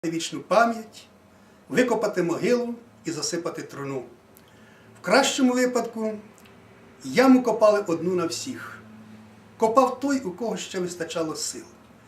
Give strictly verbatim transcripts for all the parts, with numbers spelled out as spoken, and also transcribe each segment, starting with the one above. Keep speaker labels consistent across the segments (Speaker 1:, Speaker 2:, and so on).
Speaker 1: вічну пам'ять, викопати могилу і засипати труну. В кращому випадку яму копали одну на всіх. Копав той, у кого ще вистачало сил.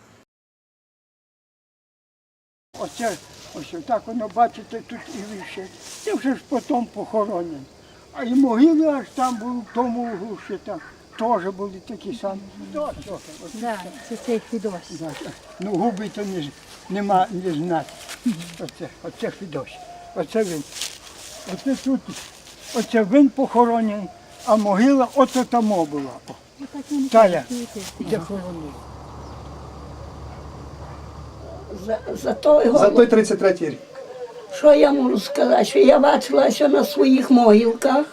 Speaker 2: Оце, ось так воно, бачите, тут і вище. Це вже ж потім похоронено. А і могили аж там були, в тому углу ще там, теж були такі самі.
Speaker 3: Так, це цей Фідос.
Speaker 2: Ну, губи то не, нема не знати. Оце, оце Фідос. Оце він. Оце тут, оце він похоронений, а могила ото тамо була. Тая, де хоронив.
Speaker 4: За, за, той
Speaker 1: За той тридцять третій рік.
Speaker 4: Що я можу сказати? Що я бачила, що на своїх могилках,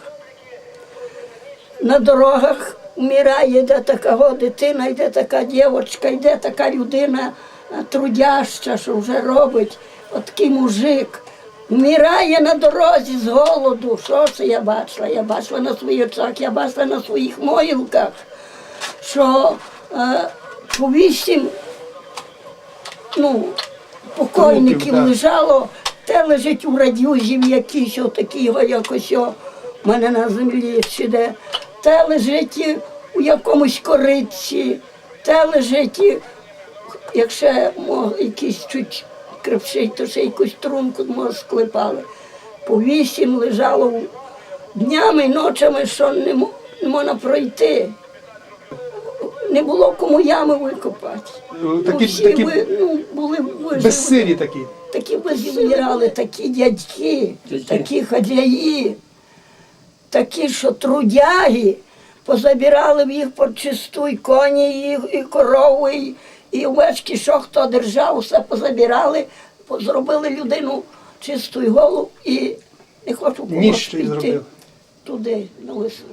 Speaker 4: на дорогах вмирає, йде така дитина, йде така дівчинка, йде така людина трудяща, що вже робить, от такий мужик. Вмирає на дорозі з голоду. Що це я бачила? Я бачила на своїх очах, я бачила на своїх могилках, що е, по вісім ну, покойників
Speaker 1: да.
Speaker 4: лежало, те лежить у радюзів якийсь, отакий якось о, в мене на землі сіде, те лежить у якомусь кориці, те лежить, якщо якийсь чуть крепший, то ще якусь трунку може склепали. По вісім лежало днями, ночами, що не, не можна пройти. Не було кому ями викопати.
Speaker 1: Такі,
Speaker 4: ну, всі
Speaker 1: такі
Speaker 4: ви, ну, були вижили.
Speaker 1: безсилі такі.
Speaker 4: Такі визбирали, такі дядьки, такі хазяї, такі, що трудяги, позабирали в їх почисту, і коні, і, і корови, і, і овечки, що хто держав, все позабирали, зробили людину чисту і голу, і не хочу когось піти туди, на лису.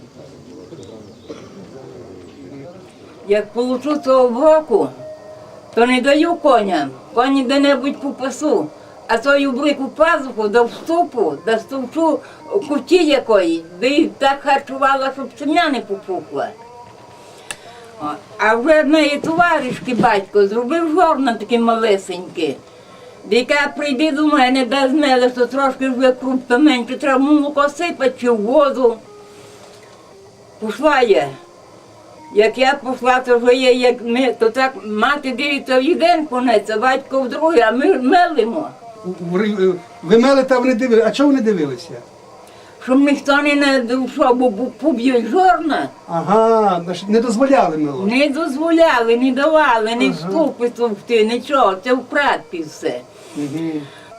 Speaker 5: Як получу цього броку, то не даю коням, коні де-небудь попасу, а тою брику пазуху до вступу, до стовчу куті якої, де їх так харчувала, щоб сім'я не попухла. О, а вже однієї товаришки батько зробив жорна таке малесеньке. Яка прийде до мене, дасть меле, то трошки вже крупка менше, треба молоко сипати чи в воду. Пішла я. Як я пішла, то вже є, як ми, то так мати дивиться в один конець, а батько в другий, а ми мелимо.
Speaker 1: Ви мелите, а вони дивилися. А чого вони дивилися?
Speaker 5: Щоб ніхто не надушав, бо поб'ють жорна.
Speaker 1: Ага, значить, не дозволяли мело.
Speaker 5: Не дозволяли, не давали, не вступи товкти, нічого, це в прадпі все.
Speaker 1: Угу.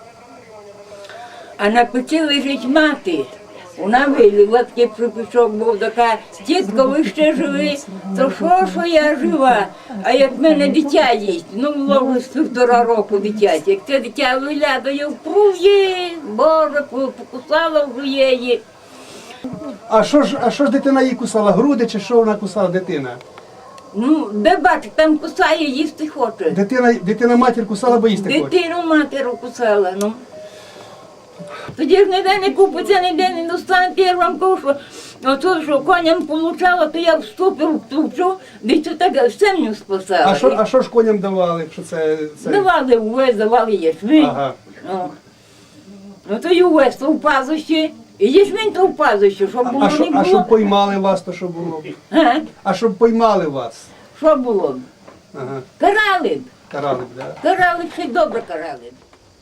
Speaker 5: А на печі лежить мати. Вона вилила, такий припічок був, така, дітко, ви ще живі, то що, що я жива, а як в мене дитя їсть, ну, було вже з півтора року дитя, як це дитя виглядає, впрує, Боже, покусала вже її.
Speaker 1: А що ж, а що ж дитина їй кусала? Груди чи що вона кусала дитина?
Speaker 5: Ну, де бачиш, там кусає, їсти хоче.
Speaker 1: Дитина, дитина матір кусала, бо їсти хоче.
Speaker 5: Дитину матеру кусала, ну. Тоді ж ніде не купиться, ніде не достанете, я ж вам кажу, що оце, що коням получала, то я вступив в тучу, де це так землю спасала.
Speaker 1: А що, а що ж коням давали, якщо це... це...
Speaker 5: Давали увесь, давали ячмінь.
Speaker 1: Ага.
Speaker 5: О. Ну то й увесь то в пазощі, і ячмінь то в пазощі, щоб було
Speaker 1: А, що,
Speaker 5: не
Speaker 1: а
Speaker 5: було.
Speaker 1: щоб поймали вас, то що було?
Speaker 5: А?
Speaker 1: А щоб поймали вас?
Speaker 5: Що було?
Speaker 1: Ага.
Speaker 5: Карали б.
Speaker 1: Карали б, да?
Speaker 5: Карали б, ще й добре карали б.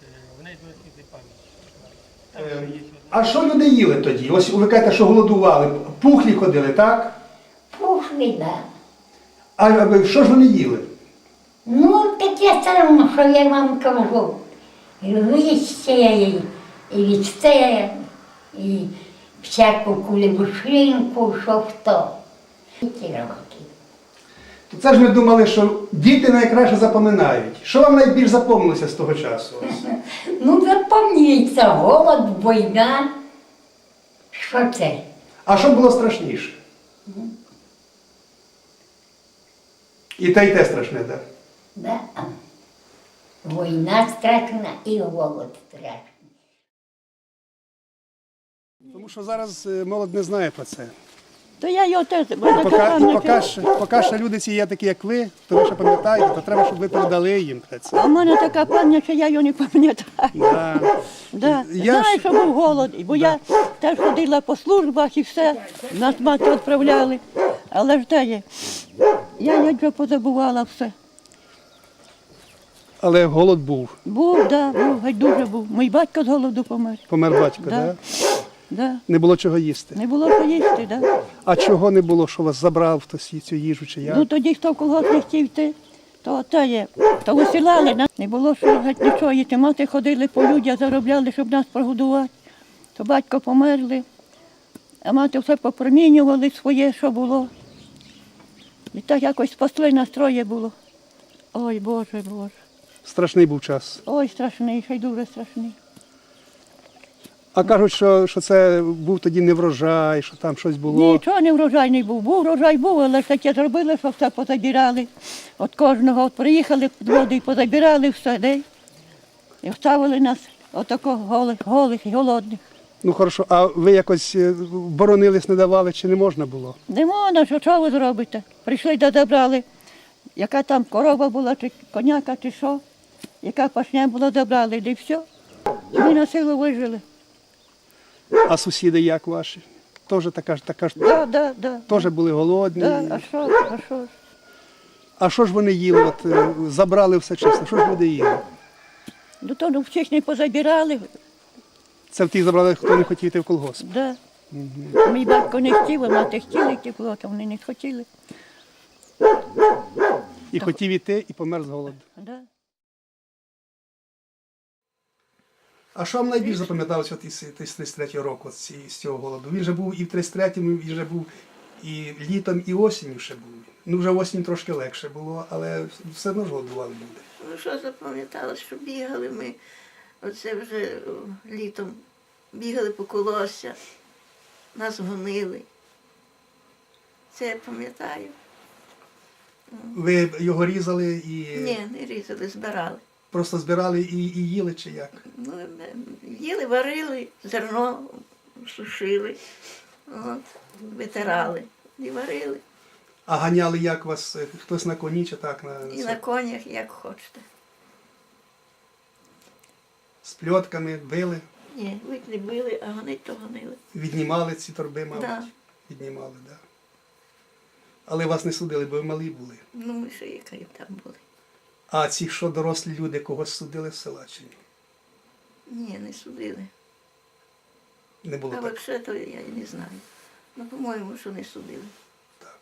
Speaker 1: А що люди їли тоді? Ось ви кажете, що голодували. Пухлі ходили, так?
Speaker 6: Пушли, да.
Speaker 1: А ви- що ж вони їли?
Speaker 6: Ну, таке саме, що я вам кажу. І листя, і, і вісте, і всяку кулебушинку, що хто. І ті роки.
Speaker 1: То це ж ми думали, що діти найкраще запам'ятають. Що вам найбільш запомнилося з того часу?
Speaker 6: Ну, запам'ятається, голод, війна. Що це?
Speaker 1: А що було страшніше? І те, і те страшне, так?
Speaker 6: Да. Війна страшна і голод страшний.
Speaker 1: Тому що зараз е, молодь не знає про це.
Speaker 3: То я його теж, бо
Speaker 1: І
Speaker 3: така
Speaker 1: поки, і
Speaker 3: пам'ять.
Speaker 1: поки, ж, поки ще люди ці є такі, як ви, то ви ще пам'ятаєте, то треба, щоб ви передали їм це.
Speaker 3: А в мене така пам'ять, що я його не пам'ятаю.
Speaker 1: Да.
Speaker 3: Да.
Speaker 1: Я
Speaker 3: Знаю,
Speaker 1: ж-
Speaker 3: що був голод, бо я теж ходила по службах і все, нас мати відправляли. Але ж де є? Я як вже позабувала все.
Speaker 1: Але голод був.
Speaker 3: Був, да, був, геть дуже був. Мій батько з голоду помер.
Speaker 1: Помер батько,
Speaker 3: Да.
Speaker 1: да?
Speaker 3: Да.
Speaker 1: Не було чого їсти.
Speaker 3: Не було що їсти, да.
Speaker 1: А чого не було, що вас забрав хтось цю їжу чи як?
Speaker 3: Ну тоді хто в колгосп не хотів йти, то те є. То висилали нас. Не було що геть нічого їсти. Мати ходили по людях, заробляли, щоб нас прогодувати. То батько померли, а мати все попромінювали своє, що було. І так якось спасли настроє було. Ой, Боже, Боже.
Speaker 1: Страшний був час.
Speaker 3: Ой, страшний, ще й дуже страшний.
Speaker 1: А кажуть, що, що це був тоді не врожай, що там щось було.
Speaker 3: Нічого не врожайний був. Був врожай був, але ж таке зробили, що все позабирали. От кожного от приїхали під воду і позабирали все, де? І вставили нас отако голих, голих і голодних.
Speaker 1: Ну хорошо, а ви якось е, боронились, не давали, чи не можна було?
Speaker 3: Не можна, що, що ви зробите? Прийшли да забрали, яка там корова була, чи коняка, чи що, яка пашня була, забрали, і все. І ми на силу вижили.
Speaker 1: А сусіди як ваші? Теж така ж така ж.
Speaker 3: Да, да, да.
Speaker 1: Теж були голодні.
Speaker 3: Да, а що, а що? ж?
Speaker 1: А що ж вони їли? От е, забрали все чесно. Що ж люди їли?
Speaker 3: Ну то ну, всіх не позабирали,
Speaker 1: Це в ті забрали, хто не хотів йти в колгосп.
Speaker 3: да. Мій батько не хотів, а мати хотіли йти в колгосп, а вони не хотіли.
Speaker 1: І хотів іти, і помер з голоду.
Speaker 3: Да.
Speaker 1: А що вам найбільше запам'яталося от із із тридцять третього року, з ці- з цього голоду? Він же був і в тридцять третьому, він же був і літом, і осінню ще був. Ну вже осінь трошки легше було, але все одно ж голодували люди.
Speaker 7: Ну, що запам'ятала, що бігали ми, оце вже о, літом, бігали по колосся, нас гонили. Це я пам'ятаю.
Speaker 1: Ви його різали і
Speaker 7: Ні, не різали, збирали.
Speaker 1: просто збирали і, і їли, чи як?
Speaker 7: Ну, е, їли, варили, зерно сушили, от, витирали і варили.
Speaker 1: А ганяли як вас? е, Хтось на коні чи так? На,
Speaker 7: І на конях, як хочете.
Speaker 1: З пльотками били,
Speaker 7: Ні, вик не били, а гонить то гонили.
Speaker 1: віднімали ці торби, мабуть.
Speaker 7: Да.
Speaker 1: Віднімали, так. Да. Але вас не судили, бо ви малі були.
Speaker 7: Ну, ми ще які там були.
Speaker 1: А ці, що дорослі люди, когось судили з села чи ні?
Speaker 7: Ні, не судили.
Speaker 1: Не було
Speaker 7: А
Speaker 1: так.
Speaker 7: взагалі то я і не знаю. Ну, по-моєму, що не судили.
Speaker 1: Так.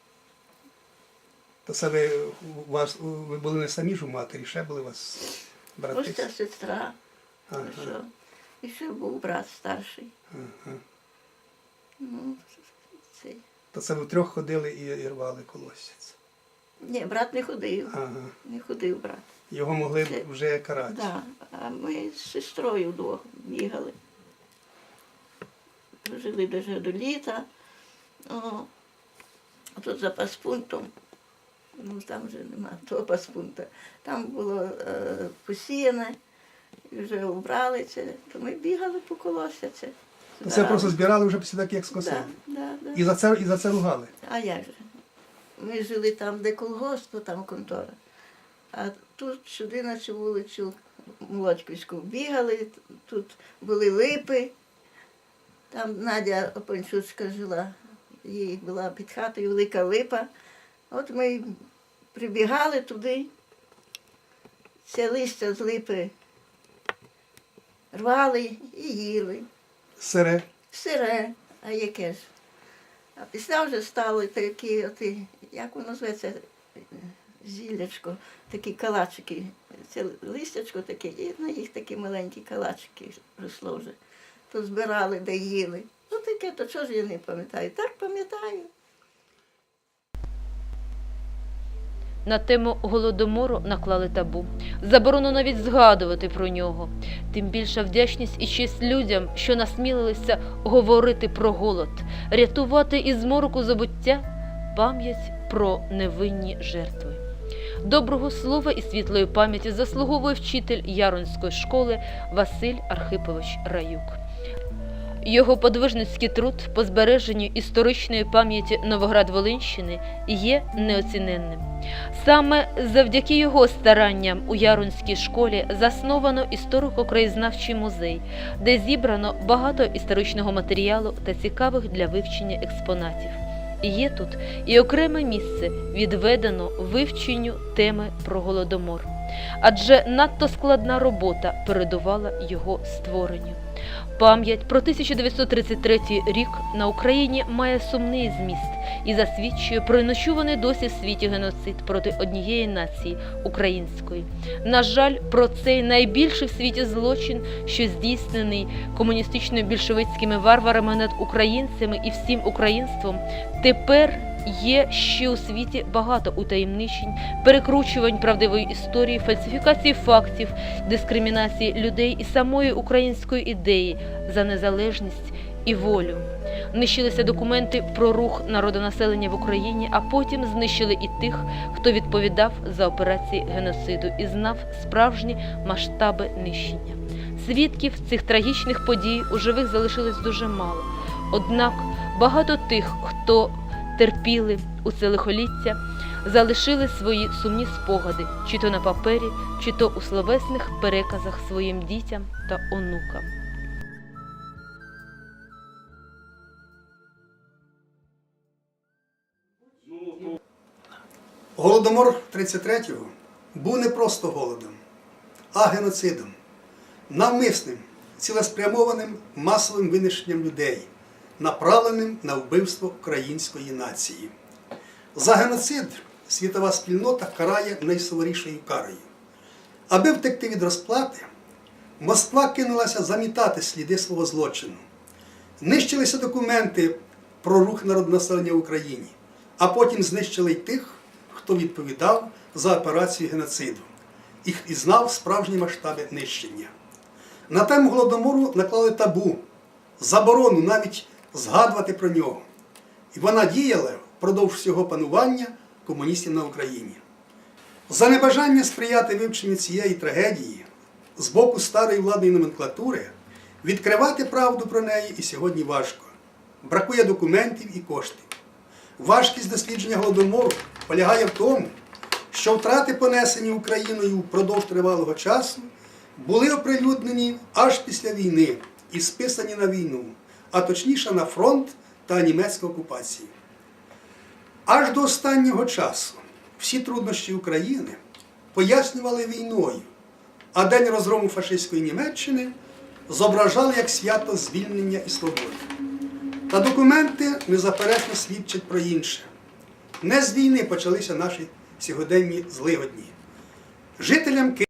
Speaker 1: То це ви, у вас, ви були не самі ж у матері, ще були у вас брати?
Speaker 7: Ось ця сестра,
Speaker 1: Ага,
Speaker 7: що. І ще був брат старший.
Speaker 1: ага.
Speaker 7: Ну, цей.
Speaker 1: То це ви втрьох ходили і, і рвали колосся.
Speaker 7: Ні, брат не ходив.
Speaker 1: Ага.
Speaker 7: Не ходив брат.
Speaker 1: Його могли
Speaker 7: Це-
Speaker 1: б вже карати.
Speaker 7: Да. А ми з сестрою вдвох бігали. Жили даже до літа. О, а тут за паспунктом, ну там вже нема того паспункта. Там було е, посіяне, і вже убрали це, то ми бігали по колосся це.
Speaker 1: То це просто збирали вже після так, як скосили.
Speaker 7: Да, да, да.
Speaker 1: І за це, і за це ругали.
Speaker 7: А як же? Ми жили там, де колгосп, то там контора. А тут сюди на цю вулицю Молодьківську бігали, тут були липи. Там Надя Опанчуцька жила, їй була під хатою велика липа. От ми прибігали туди, це листя з липи рвали і їли.
Speaker 1: Сире.
Speaker 7: Сире, а яке ж? А після вже стали такі, оті, як воно зветься, зіллячко, такі калачики. Це листячко таке, і на їх такі маленькі калачики росло вже. То збирали, де їли. Ну таке, то чого ж я не пам'ятаю? Так пам'ятаю.
Speaker 8: На тему голодомору наклали табу. Заборонено навіть згадувати про нього. Тим більша вдячність і честь людям, що насмілилися говорити про голод, рятувати із мороку забуття пам'ять про невинні жертви. Доброго слова і світлої пам'яті заслуговує вчитель Яронської школи Василь Архипович Раюк. Його подвижницький труд по збереженню історичної пам'яті Новоград-Волинщини є неоціненним. Саме завдяки його старанням у Ярунській школі засновано історико-краєзнавчий музей, де зібрано багато історичного матеріалу та цікавих для вивчення експонатів. Є тут і окреме місце відведено вивченню теми про Голодомор, адже надто складна робота передувала його створенню. Пам'ять про тисяча дев'ятсот тридцять третій рік на Україні має сумний зміст і засвідчує про нечуваний досі в світі геноцид проти однієї нації – української. На жаль, про цей найбільший в світі злочин, що здійснений комуністично-більшовицькими варварами над українцями і всім українством, тепер є ще у світі багато утаємничень, перекручувань правдивої історії, фальсифікації фактів, дискримінації людей і самої української ідеї за незалежність і волю. Нищилися документи про рух народонаселення в Україні, а потім знищили і тих, хто відповідав за операції геноциду і знав справжні масштаби нищення. Свідків цих трагічних подій у живих залишилось дуже мало. Однак багато тих, хто терпіли у це лихоліття, залишили свої сумні спогади, чи то на папері, чи то у словесних переказах своїм дітям та онукам.
Speaker 1: Голодомор тридцять третього був не просто голодом, а геноцидом, навмисним, цілеспрямованим масовим винищенням людей, направленим на вбивство української нації. За геноцид світова спільнота карає найсуворішою карою. Аби втекти від розплати, Москва кинулася замітати сліди свого злочину. Нищилися документи про рух народонаселення в Україні, а потім знищили й тих, хто відповідав за операцію геноциду і знав справжні масштаби нищення. На тему Голодомору наклали табу, заборону навіть згадувати про нього. І вона діяла впродовж всього панування комуністів на Україні. За небажання сприяти вивченню цієї трагедії з боку старої владної номенклатури відкривати правду про неї і сьогодні важко. Бракує документів і коштів. Важкість дослідження Голодомору полягає в тому, що втрати, понесені Україною впродовж тривалого часу, були оприлюднені аж після війни і списані на війну, а точніше на фронт та німецьку окупацію. Аж до останнього часу всі труднощі України пояснювали війною, а день розгрому фашистської Німеччини зображали як свято звільнення і свободи. Та документи незаперечно свідчать про інше. Не з війни почалися наші сьогоденні злигодні. Жителям Києва